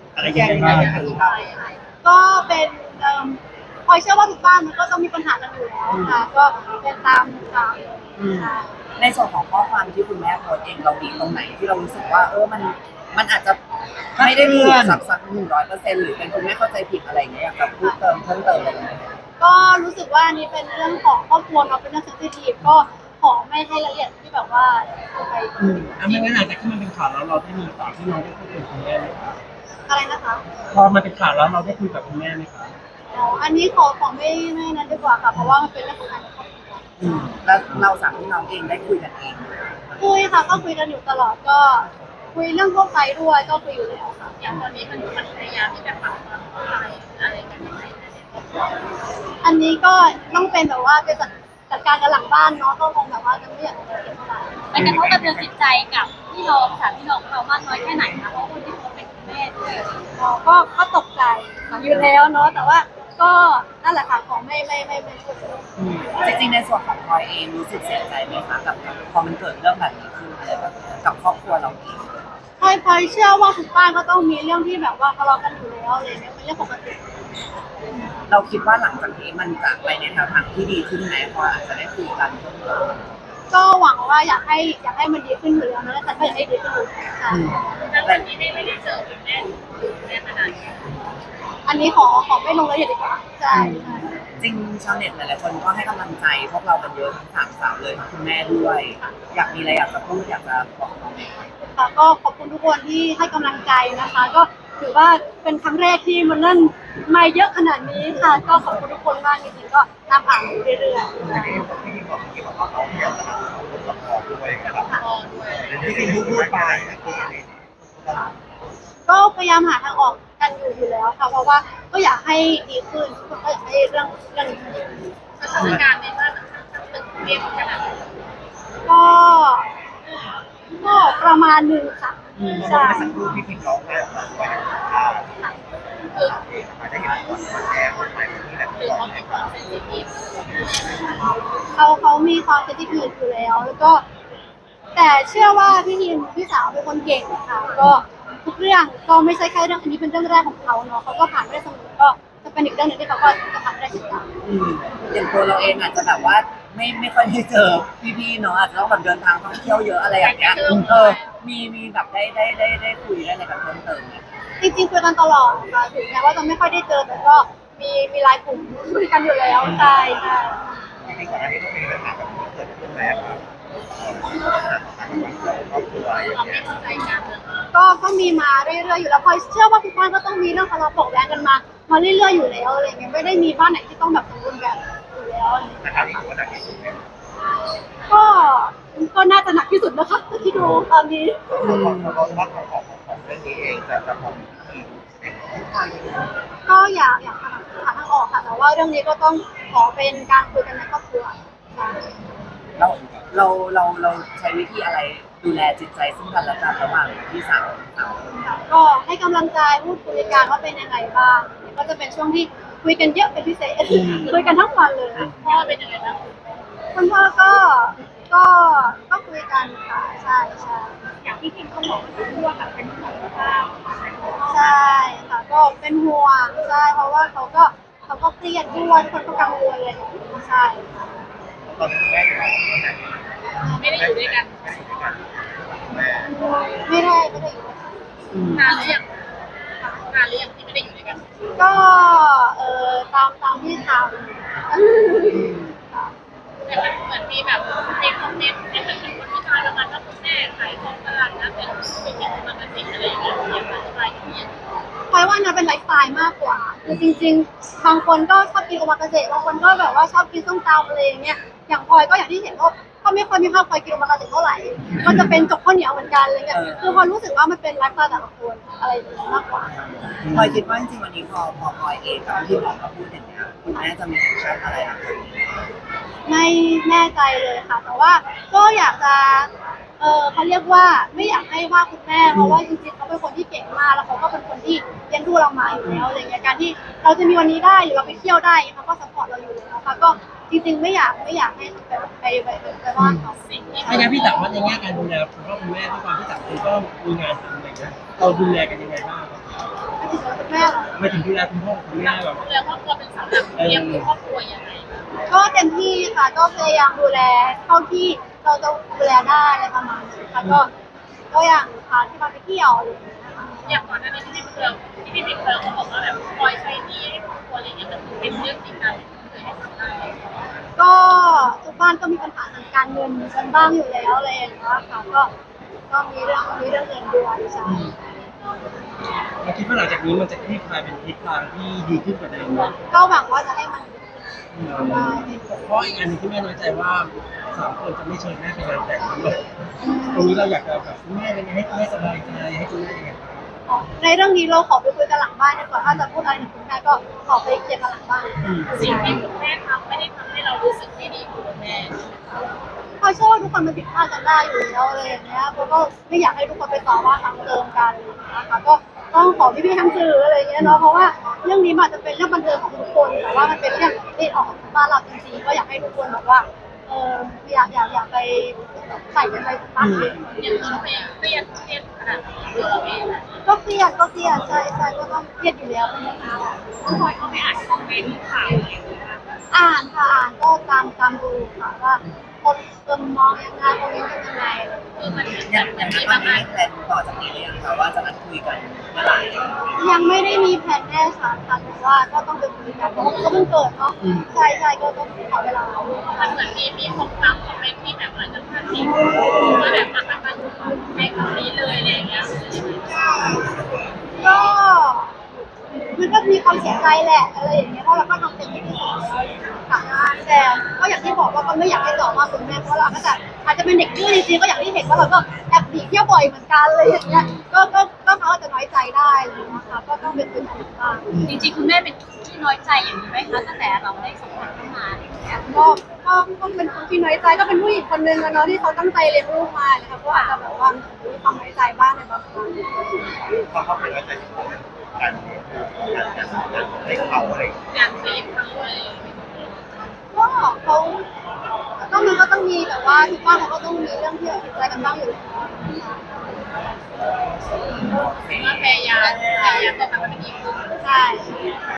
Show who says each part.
Speaker 1: อะไรยังไงบ้าง
Speaker 2: ก็เป็นพลอยเชื่อว่าทุกบ้านมันก็ต้องมีปัญหากันอยู่แล้วค่ะก็เป็นตามค่ะ
Speaker 3: ในส่วนของข้อความที่คุณแม่โพสต์เองเรามีตรงไหนที่เรารู้สึกว่ามันอาจจะไม่ได้ถูกสัก100%หรือเป็นคุณแม่เข้าใจผิดอะไรอย่างเงี้ยอยากจะพูดเพิ่มเติมอะไรไหม
Speaker 2: ก็รู้สึกว่านี่เป็นเรื่องของครอบครัวเนาะเป็นเรื่องเซนซิทีฟก็ขอไม่ให้ละเอียดที่แบบว่าไป
Speaker 1: ไม่งั้นหลังจากที่มันเป็นข่าวแล้วเราได้มีข่าวที่น้องได้คุยกับคุณแม่ไหมคะ
Speaker 2: อะไรนะคะ
Speaker 1: พอมันเป็นข่าวแล้วเราได้คุยกับคุณแม่ไหมคะ
Speaker 2: อ๋ออันนี้ขอไม่นั้นดีกว่าค่ะเพราะว่ามันเป็นเรื่องของการครอบครัว
Speaker 3: แล้วเราสามพี่น้องเองได้คุยกันเอง
Speaker 2: คุยค่ะก็คุยกันอยู่ตลอดก็คุยเรื่องทั่วไปด้วยก็คุยอยู่แล้วค่ะอย่างตอนนี้มันพยายามที่จะปรับความเข้าใจอะไรกันยังไงอันนี้ก็ต้องเป็นแบบว่าไปจัดการกันหลังบ้านเนาะก็คงแบบว่าจะไม่อยากจะเก็บเท่าไหร่
Speaker 4: มันกระทบกระเทือนจิตใจกับพี่น้องค่ะพี่น้องเขามากน้อยแค่ไหนคะเพราะคนที่เขาเป็นคุณแม่ด้วย
Speaker 2: อ๋อก็ตกใจอยู่แล้วเนาะแต่ว่าก็นั่นแหละค่ะของไม่พูด
Speaker 3: จริงๆในส่วนของพลอยเองรู้สึกเสียใจไหมคะกับพอมันเกิดเรื่องแบบนี้ขึ้นอะไรแบบกับครอบครัวเราเอง
Speaker 2: พลอยเชื่อว่าทุกบ้านก็ต้องมีเรื่องที่แบบว่าทะเลาะกันอยู่แล้วอะไรเงี้ยเป็นเรื่องปกติ
Speaker 3: เราคิดว่าหลังจากนี้มันจะไปในแนวทางที่ดีขึ้นไหมพออาจจะได้คุยกันเพิ่มเติม
Speaker 2: ก็หวังว่าอยากให้มันดีขึ้นอยู่แล้วนะแต่ก็อยากให้ดีขึ้นอยู่ค่ะ
Speaker 4: แล้ววันนี้ไม่ได้เจอคุณแม่ขนาดนี้
Speaker 2: อันนี้ขอไม่ลงรายละเอียดดีกว่าใช่
Speaker 3: จริงชาวเน็ตหลายๆคนก็ให้กำลังใจพวกเรากันเยอะทั้ง3 สาวเลยทั้งคุณแม่ด้วยอยากมีอะไรอยากจะพูดอยากจะบอกน้องไหม
Speaker 2: ค่ะก็ขอบคุณทุกคนที่ให้กำลังใจนะคะก็ถือว่าเป็นครั้งแรกที่มันเล่นมาเยอะขนาดนี้ค่ะก็ขอบคุณทุกคนมากจริงๆก็ตามอ่านอยู่เรื่อยๆก็พยายามหาทางออกกันอยู่แล้วค่ะเพราะว่าก็อยากให้ดีขึ้นก็อยากให้เรื่องนี้ดี
Speaker 4: สถานการณ์ในบ้านมันตึงเครียดขนาดไหน
Speaker 2: ก็ก็ประมาณหนึ่งค่ะใช่
Speaker 1: สักครู่พี่พิมพ์ร้องไห้ออกมาด้วยมาได้เห็นคนแชร์คนไปที่แบบ
Speaker 4: คือเขาเป็นความเซนซิทีฟ
Speaker 2: เขามีความเซนซิทีฟอยู่แล้วแล้วก็แต่เชื่อว่าพี่สาวเป็นคนเก่งค่ะก็ทุกเรื่องก็ไม่ใช่แค่เรื่องอันนี้เป็นเรื่องแรกของเขาเนาะเขาก็ผ่านได้เสมอก็จะเป็นอีกเรื่องหนึ่งที่เขาก็จะผ่านได้เช่นกัน
Speaker 3: อย่างตัวเราเองอาจจะแบบว่าไม่ค่อยได้เจอพี่ๆเนาะอาจจะต้องแบบเดินทางท่องเที่ยวเยอะอะไรอย่างเงี้ยมีแบบได้คุยได้อะไรกับเพิ่มเติมไหม
Speaker 2: จริงๆคุยกันตลอดค่ะถึงแม้ว่าจะไม่ค่อยได้เจอแต่ก็มีไลน์กลุ่มคุยกันอยู่แล้วใช่
Speaker 1: จริงๆก่อนหน้านี้ก็มีปัญหาแบบนี้เกิดขึ้นแล้วครอบครัวอย่างเงี้ย
Speaker 2: ก็มีมาเรื่อยๆอยู่แล้วพลอยเชื่อว่าทุกบ้านก็ต้องมีเรื่องทะเลาะเบาะแว้งกันมาเรื่อยๆอยู่แล้วอะไรเงี้ยไม่ได้มีบ้านไหนที่ต้องแบบสมบูรณ์แบบอยู่แล้ว
Speaker 1: แต่คราวนี้ถือว่าหนักที่สุดไหม
Speaker 2: ก็ก็น่าจะหนักที่สุดนะคะที่ดูตอนนี้
Speaker 1: เราว่าของเรื่องนี้เองจะพอมีที่
Speaker 2: ก็อยากหาทางออกค่ะแต่ว่าเรื่องนี้ก็ต้องขอเป็นการคุยกันในครอบครัว
Speaker 3: เราใช้วิธีอะไรดูแลจิตใจซึ่งกันและกันระหว่างพี่สาว
Speaker 2: ก็ให้กำลังใจพูดคุยกันว่าเป็นยังไงบ้างก็จะเป็นช่วงที่คุยกันเยอะเป็นพิเศษคุยกันทั้งวันเลย
Speaker 4: พ่อเป็นยังไงบ้าง
Speaker 2: คุณพ่อก็คุยกันค่ะใช่
Speaker 4: อย่างที่พิมเขาบอกว่าแบบเป็นห่วงมาก
Speaker 2: ใช่ค่ะก็เป็นห่วงใช่เพราะว่าเขาก็เครียดด้วยคนก็กังวลเลยใช่
Speaker 1: ตอนนี้แม่อยู่ไหน
Speaker 4: ไม่ได้อยู่ด้วยกัน
Speaker 2: ไม่ได้อยู่
Speaker 4: นานหรือยังที่ไม่ได้อยู่ด้วยกัน
Speaker 2: ก็ตามที่ทำ
Speaker 4: แต่มันเหมือนมีแบบในคอมเมนต์ที่เป็นคนวิจารณ์ประมาณว่าคุณแม่ขายของตลาดนะเป็นปกติอะไรอย่างเงี้ยอย่างไรอย่างเงี้ย
Speaker 2: พลอยว่านะเป็นไลฟ์สไตล์มากกว่าคือจริงๆบางคนก็ชอบกินโอมากาเสะบางคนก็แบบว่าชอบกินส้มตำอะไรอย่างเงี้ยอย่างพลอยก็อย่างที่เห็นก็ไม่ค่อยมีภาพพลอยกินโอมากาเสะเท่าไหร่ก็จะเป็นจกข้าวเหนียวเหมือนกันอะไรเงี้ยคือพลอยรู้สึกว่ามันเป็นไลฟ์สไตล์แต่ละคนอะไรอย่างเงี้ยมากกว่า
Speaker 3: พลอยคิดว่าจริงๆวันนี้พอพลอยเองกับที่หมอเขาพูดอย่างเงี้ยคุณแม่จะมีแอคชั่นอะไรอ่ะ
Speaker 2: ไม่แน่ใจเลยค่ะแต่ว่าก็อยากจะเขาเรียกว่าไม่อยากให้ว่าคุณแม่เพราะว่าจริงๆเขาเป็นคนที่เก่งมากแล้วเขาก็เป็นคนที่เลี้ยงดูเรามาอยู่แล้วอะไรเงี้ยการที่เราจะมีวันนี้ได้หรือเราไปเที่ยวได้เขาก็ซัพพอร์ตเราอยู่แล้วค่ะก็จริงๆไม่อยากให้ไปว่าเขา
Speaker 1: ไม่งั้นพี่ถามว่าในแง่การดูแลคุณพ่อคุณแม่ด้วยความที่ต่างคนก็มีงานทำอะไรเงี้ยเราดูแลกันยังไงบ้างไม่ถึงดูแลคุณพ่อคุณแม่แบบ
Speaker 4: ดูแลครอบครัวเป็นเสาหลักเลี้ยงดูครอบครัวยังไง
Speaker 2: ก็เต็มที่ค่ะก็พยายามดูแลเท่าที่เราจะดูแลได้อะไรประมาณนี้ค่ะก็อย่างพาที่มาไปเที่ยวอะไรอย่างเงี้ยค่ะ
Speaker 4: อย่างก่อนหน้านี้ที่พี่เพิร์ลเขาบอกว่าแบบคอยใช้หนี้ให้ครอบครัวอะไรเงี้ยมันเป็นเรื่องจริงนะเคยให้สัมภาษณ์
Speaker 2: ก็ทุกบ้านก็มีปัญหาทางการเงินกันบ้างอยู่แล้วอะไรอย่างเงี้ยค่ะก็มีเรื่องเงินด้วยใช่
Speaker 1: เราคิดว่าหลังจากนี้มันจะคลี่คลายเป็นทิศทางที่ดีขึ้นกว่าเดิมไหม
Speaker 2: ก็หวังว่าจะให้มันได้
Speaker 1: เพราะอีกอันหนึงที่แม่น้อยใจว่า3 คนจะไม่เชิญแม่ไปงานแต่งด้วยตรงนี้เราอยากจะแบบแม่เป็นไงให้แม่สบายใจให้คุณแม่ยังไงบ้าง
Speaker 2: ในเรื่องนี้เราขอไปคุยกันหลังบ้านดีกว่าถ้าจะพูดอะไรถึงคุณแม่ก็ขอไปเคลียร์กันหลังบ้าน
Speaker 4: สิ่งที่คุณแม่ทำไม่ได้ทำให้เรารู้สึกไม่ดีกับคุณแม่
Speaker 2: เขาเชื่อว่าทุกคนมันผิดพลาดกันได้อยู่แล้วอะไรอย่างเงี้ยเพราะก็ไม่อยากให้ทุกคนไปต่อว่าซ้ำเติมกันนะคะก็ต้องขอพี่ๆทั้งสื่ออะไรอย่างเงี้ยเนาะเพราะว่าเรื่องนี้มันอาจจะเป็นเรื่องบันเทิงของทุกคนแต่ว่ามันเป็นเรื่องที่ออกจากบ้านเราจริงๆก็อยากให้ทุกคนแบบว่าอยากไปใส่กันไปตั้ง
Speaker 4: อย่างเราเองเครียดขนาดนี้ตัวเราเอง
Speaker 2: ก็เครียดใช่ก็ต้องเครียดอยู่แล้วนะคะ
Speaker 4: ต้องคอยเข้าไปอ่านคอมเมนต์ข่าวอะไรอย่างเงี้ย
Speaker 2: อ่านค่ะอ่านก็ตามดูค่ะว่าคนมองยังไงคอมเมนต์เป็นยังไง
Speaker 4: คือมัน
Speaker 3: อย่าง
Speaker 4: มัน
Speaker 3: นี้
Speaker 4: มี
Speaker 3: ตอน
Speaker 4: บาง
Speaker 3: นี้
Speaker 4: อัน
Speaker 3: แพลนต่อจากนี้หรือยังคะว่าจะนัดคุยกันเมื่อไหร่
Speaker 2: ยังไม่ได้มีแผนแน่ชัดค่ะแต่ว่าก็ต้องไปคุยกันเพราะว่ามันก็เพิ่งเกิดเนาะใช่ก็ต้องขอเวลา
Speaker 4: มันเหมือนมีคนฟังคอมเมนต์ที่แบบอาจจะพลาดพิงว่าแบบมันไม่คำนี้เลยอะไรอย่างเงี้ย
Speaker 2: ก็มันก็มีความเสียใจแหละอะไรอย่างเงี้ยเพราะเราก็ทำเต็มที่ที่สุดแล้วค่ะแต่ก็อย่างที่บอกว่าก็ไม่อยากให้ต่อว่าคุณแม่เพราะเราก็จะอาจจะเป็นเด็กดื้อจริงๆก็อย่างที่เห็นว่าเราก็แอบหนีเที่ยวบ่อยเหมือนกันเลยอย่างเงี้ยก็เขาอาจจะน้อยใจได้เลยนะคะก็ต้องเป็นคุยกันบ้าง
Speaker 4: จริงๆคุณแม่เป็นที่น้อยใจอย่างนี้ไหมคะตั้งแต่เราได้สัมผัสเข้ามาอะไรอย่างเงี้ย
Speaker 2: ก็เป็นคนที่น้อยใจก็เป็นผู้หญิงคนนึงอะเนาะที่เขาตั้งใจเลี้ยงลูกมานะคะก็อาจจะแบบว่ามีความน้อยใจบ้างในบางครั้ง
Speaker 5: เขาเข้าไปว่าจะการให้เขาอะไร
Speaker 4: อยากจีบเขาอะไรอย่างเงี้ย
Speaker 2: ก็เขามันก็ต้องมีแต่ว่าทุกบ้านเขาก็ต้องมีเรื่องที่ผิดใจกันบ้างอยู่แล้ว
Speaker 4: ว่าพยายามจะทำให้มันดีขึ้น
Speaker 2: ใช่